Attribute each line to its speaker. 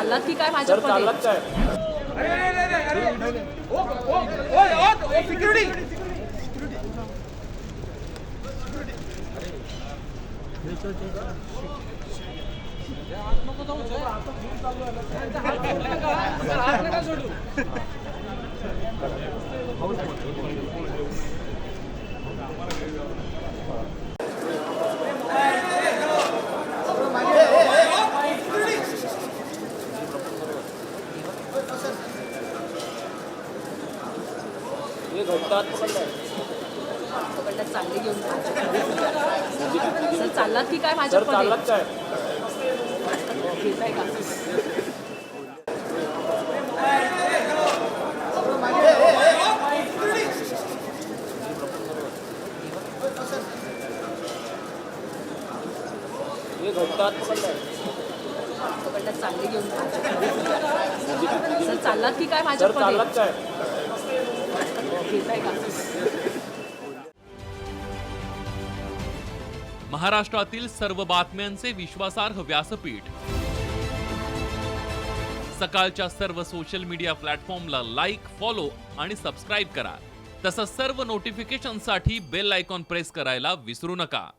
Speaker 1: चाललात की काय भाजपमध्ये? पकडल्यात चांगली घेऊन सर चाललात की काय भाजपमध्ये? घेताय का? पकडल्यात चांगली घेऊन सर चाललात की काय भाजपमध्ये? घेताय का?
Speaker 2: महाराष्ट्रातील सर्व बातम्यांचे विश्वासार्ह व्यासपीठ. सकाळच्या सर्व सोशल मीडिया प्लॅटफॉर्मला लाईक, फॉलो आणि सबस्क्राईब करा. तसंच सर्व नोटिफिकेशनसाठी बेल आयकॉन प्रेस करायला विसरू नका.